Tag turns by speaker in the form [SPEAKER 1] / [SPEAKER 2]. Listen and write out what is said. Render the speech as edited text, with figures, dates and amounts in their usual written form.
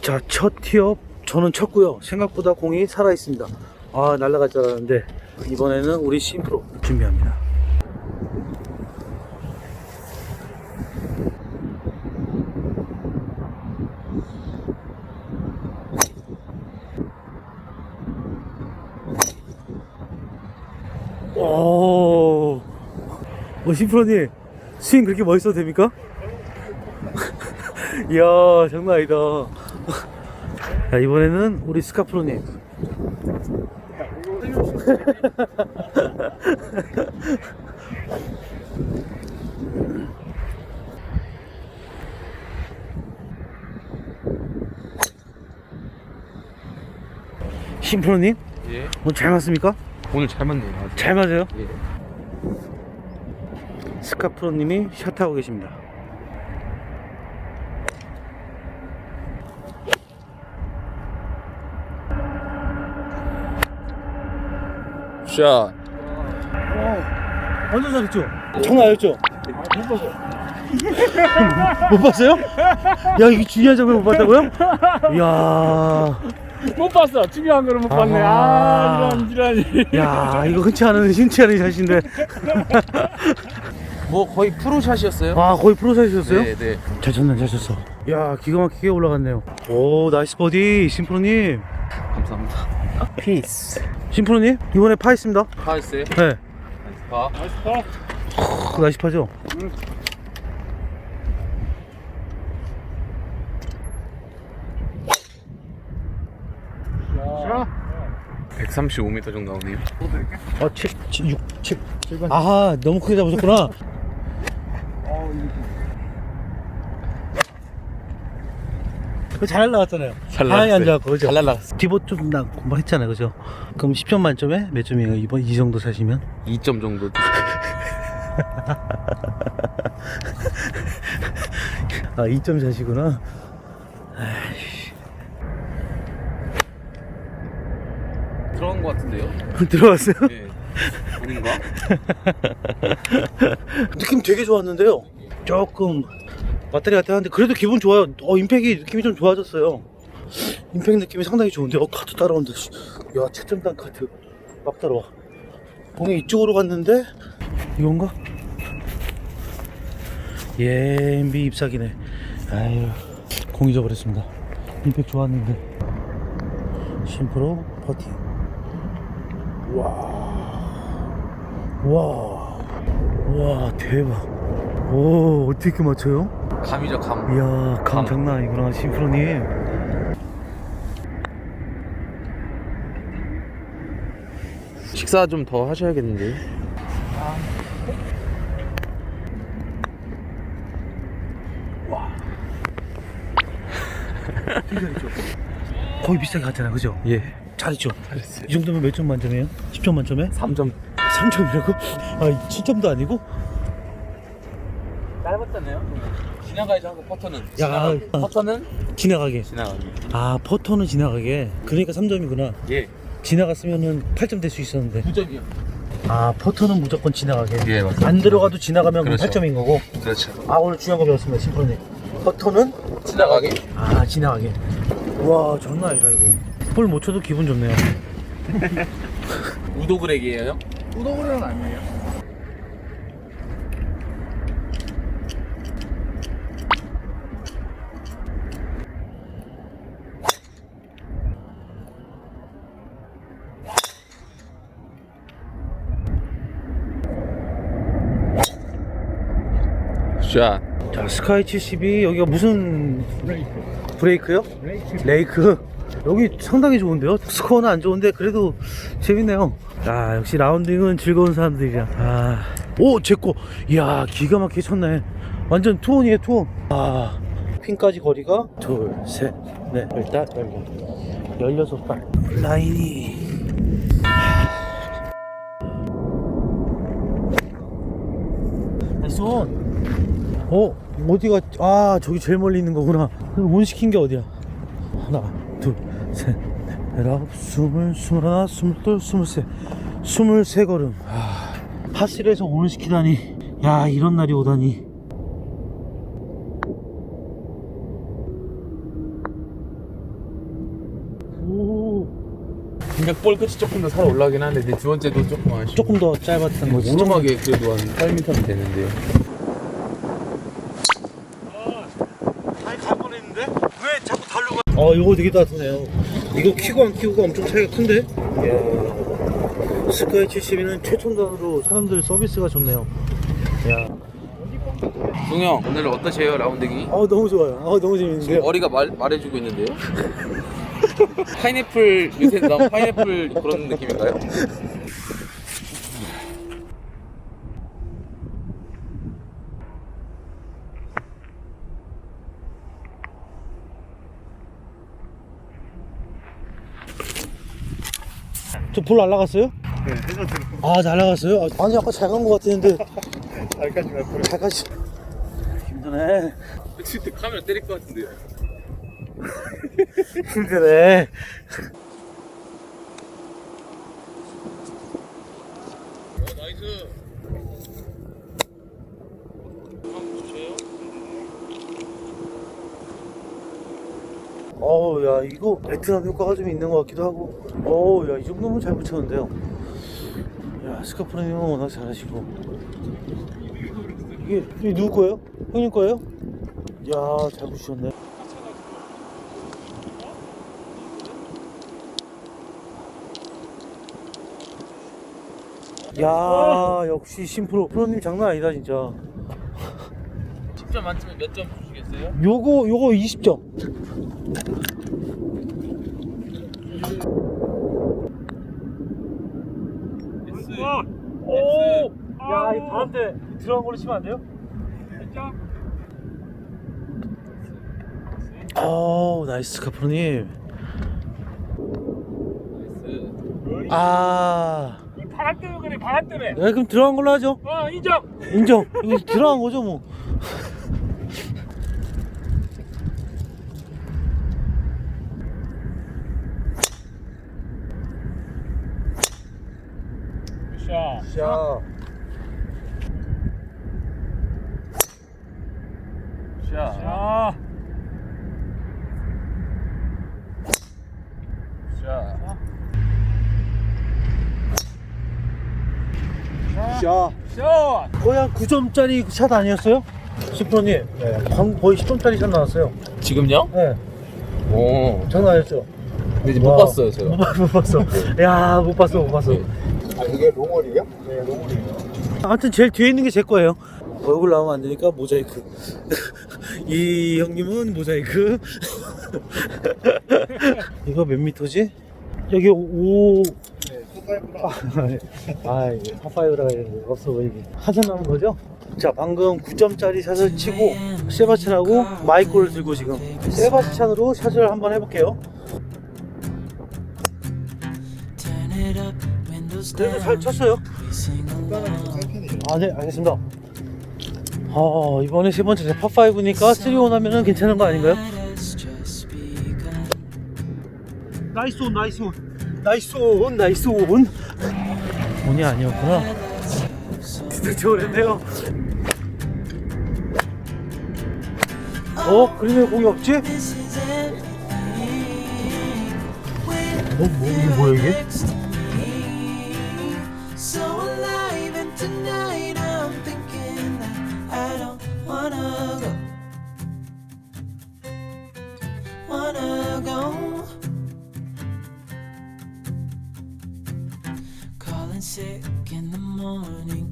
[SPEAKER 1] 자, 첫 티업 저는 쳤고요. 생각보다 공이 살아있습니다. 아, 날아갈 줄 알았는데 이번에는 우리 심프로 준비합니다. 오, 심프로님 스윙 그렇게 멋있어도 됩니까? 이야, 장난 아니다. 자, 이번에는 우리 스카프로님. 심프로님?
[SPEAKER 2] 예.
[SPEAKER 1] 오늘 잘 맞습니까?
[SPEAKER 2] 오늘 잘 맞네요. 아주.
[SPEAKER 1] 잘 맞아요?
[SPEAKER 2] 예.
[SPEAKER 1] 스카프로님이 샷하고 계십니다.
[SPEAKER 2] 샷.
[SPEAKER 1] 완전 잘했죠? 장난 아니었죠? 못 봤어요. 못 봤어요? 야, 이게 중요한 장면 못 봤다고요? 이야.
[SPEAKER 3] 못 봤어. 중요한 거를 못 봤네. 아, 이런.
[SPEAKER 1] 야, 이거 흔치 않은 샷인데.
[SPEAKER 2] 뭐 거의 프로샷이었어요?
[SPEAKER 1] 아, 거의 프로사이즈였어요?
[SPEAKER 2] 네, 네.
[SPEAKER 1] 잘 쳤네, 잘 쳤어. 야, 기가 막히게 올라갔네요. 오, 나이스 버디, 심프로님.
[SPEAKER 2] 감사합니다.
[SPEAKER 1] 피스. 심프로님, 이번에 파 있습니다.
[SPEAKER 2] 파 있어요?
[SPEAKER 1] 네.
[SPEAKER 2] 파.
[SPEAKER 1] 나이스 파죠?
[SPEAKER 2] 135m 정도 나오네요.
[SPEAKER 1] 7, 6, 7. 아하, 너무 크게 잡으셨구나. 잘 날라갔잖아요.
[SPEAKER 2] 잘
[SPEAKER 1] 하얀
[SPEAKER 2] 날라갔어요.
[SPEAKER 1] 앉아갖고, 그죠?
[SPEAKER 2] 잘 날라갔어.
[SPEAKER 1] 디봇 좀 공부 했잖아요, 그죠? 그럼 10점 만점에 몇 점이에요, 이번 이 정도 사시면?
[SPEAKER 2] 2점 정도.
[SPEAKER 1] 아, 2점 샷이구나. 아이씨.
[SPEAKER 2] 들어간 것 같은데요?
[SPEAKER 1] 들어왔어요?
[SPEAKER 2] 네. 아닌가?
[SPEAKER 1] 느낌 되게 좋았는데요. 조금 왔다리 갔다 하는데 그래도 기분 좋아요. 임팩이 느낌이 좀 좋아졌어요. 임팩 느낌이 상당히 좋은데 카트 따라온다. 야, 채점단 카트 막 따라와. 공이 이쪽으로 갔는데 이건가? 예, MB 잎사귀네. 아유, 공 잊어버렸습니다. 임팩 좋았는데. 심프로 버티. 와, 대박. 오, 어떻게 맞춰요?
[SPEAKER 2] 감이죠, 감.
[SPEAKER 1] 이야, 감
[SPEAKER 2] 감.
[SPEAKER 1] 장난 아니구나, 심프로님.
[SPEAKER 2] 식사 좀 더 하셔야겠는데요?
[SPEAKER 1] 거의 비슷하게 갔잖아, 그죠?
[SPEAKER 2] 예.
[SPEAKER 1] 잘했죠?
[SPEAKER 2] 잘했어요.
[SPEAKER 1] 이 정도면 몇 점 만점이에요? 10점 만점에?
[SPEAKER 2] 3점.
[SPEAKER 1] 3점이라고? 아, 7점도 아니고?
[SPEAKER 2] 짧았잖아요. 지나가야죠 하고 퍼터는.
[SPEAKER 1] 야,
[SPEAKER 2] 퍼터는
[SPEAKER 1] 지나가게.
[SPEAKER 2] 지나가기.
[SPEAKER 1] 아, 퍼터는 지나가게. 그러니까 3점이구나.
[SPEAKER 2] 예.
[SPEAKER 1] 지나갔으면은 8점 될 수 있었는데.
[SPEAKER 2] 9점이요.
[SPEAKER 1] 아, 퍼터는 무조건 지나가게.
[SPEAKER 2] 예, 맞습니다.
[SPEAKER 1] 안 들어가도 지나가면
[SPEAKER 2] 그렇죠.
[SPEAKER 1] 8점인 거고.
[SPEAKER 2] 그렇죠.
[SPEAKER 1] 아, 오늘 중요한 거 배웠습니다, 심프로님. 퍼터는?
[SPEAKER 2] 지나가기.
[SPEAKER 1] 아, 지나가게. 와, 장난 아니다, 이거. 볼 못 쳐도 기분 좋네요.
[SPEAKER 2] 우도그렉이에요?
[SPEAKER 3] 우도그레는 아니에요.
[SPEAKER 2] 샷.
[SPEAKER 1] 자, 스카이 70이 여기가 무슨 브레이크요? 레이크. 여기 상당히 좋은데요? 스코어는 안 좋은데 그래도 재밌네요. 아, 역시 라운딩은 즐거운 사람들이야. 아, 오, 제거. 이야, 기가 막히게 쳤네. 완전 투혼이에요, 투혼. 아, 핀까지 거리가 둘, 셋, 넷, 일단 16발. 라인이 나이스 온. 어디가, 아, 저기 제일 멀리 있는 거구나. 온 시킨 게 어디야? 하나, 둘, 셋, 넷, 아홉, 스물, 스물하나, 스물둘, 스물셋, 23걸음. 파실에서 오늘 시키다니. 야, 이런 날이 오다니.
[SPEAKER 2] 근데 볼 끝이 조금 더 살아 올라가긴 하는데 두 번째도 조금 아쉽고
[SPEAKER 1] 조금 더 짧았던 거지.
[SPEAKER 2] 오르막에 그래도 한 8m는 되는데.
[SPEAKER 1] 아니 갈 뻔했는데 왜 자꾸 달려가? 이거 되게 따뜻하네요. 이거 키고 안 키고가 엄청 차이가 큰데? 이야, 스카이 72는 최첨단으로 사람들 서비스가 좋네요. 야,
[SPEAKER 2] 동영 오늘 어떠세요 라운딩이?
[SPEAKER 1] 너무 좋아요. 너무 재밌는데요.
[SPEAKER 2] 머리가 말해주고 있는데요. 파인애플 요새 나온 파인애플 그런 느낌인가요?
[SPEAKER 1] 저 볼 날라갔어요? 네, 잘 나갔어요? 아니 아까 잘 간 것 같았는데. 잘까지 힘드네.
[SPEAKER 2] 진짜 카메라 때릴 것 같은데요.
[SPEAKER 1] 힘드네.
[SPEAKER 2] 나이스.
[SPEAKER 1] 야 이거 베트남 효과가 좀 있는 것 같기도 하고. 야 이 정도면 잘 붙였는데요. 야 스카프님은 워낙 잘하시고. 이게 누구 거예요? 형님 거예요? 야 잘 붙이셨네. 야 역시 심프로 프로님 장난 아니다 진짜.
[SPEAKER 2] 10점 만점에 몇 점 주시겠어요?
[SPEAKER 1] 요거 20점. 오! 야, 이 바람대 들어간 걸로 치면 안 돼요? 나이스 카프로님.
[SPEAKER 3] 이 바람 때문에 그래, 바람 때문에.
[SPEAKER 1] 그럼 들어간 걸로 하죠.
[SPEAKER 3] 인정.
[SPEAKER 1] 인정. 이거 들어간 거죠 뭐.
[SPEAKER 3] 샷.
[SPEAKER 1] 자,
[SPEAKER 2] 샷.
[SPEAKER 3] 샷.
[SPEAKER 2] 샷.
[SPEAKER 1] 자,
[SPEAKER 3] 샷.
[SPEAKER 1] 거의 한 9점짜리 샷 아니었어요? 심프로님. 네. 방금 거의 10점짜리 샷 나왔어요.
[SPEAKER 2] 지금요?
[SPEAKER 1] 네.
[SPEAKER 2] 오.
[SPEAKER 1] 장난 아니었죠?
[SPEAKER 2] 근데 이제 못 봤어요 제가.
[SPEAKER 1] 못 봤어. 야, 못 봤어.
[SPEAKER 4] 이게 롱홀이에요? 네, 롱홀이에요.
[SPEAKER 1] 아무튼 제일 뒤에 있는 게 제 거예요. 얼굴 나오면 안 되니까 모자이크. 이 형님은 모자이크. 이거 몇 미터지? 여기 5. 이게 파5라고 했는데 없어 보이게. 한참 남은 거죠? 자, 방금 9점짜리 샷을 치고 세바스찬하고 마이콜을 들고 지금 세바스찬으로 샷을 한번 해볼게요. 그래도 잘 쳤어요. 네, 알겠습니다. 이번에 세 번째 파5니까 3온 하면은 괜찮은 거 아닌가요? 나이스 온. 온이 아니었구나. 진짜 좋았네요. 그림에 공이 없지? 이게 뭐야 이게?
[SPEAKER 5] So alive and tonight I'm thinking that I don't wanna go calling sick in the morning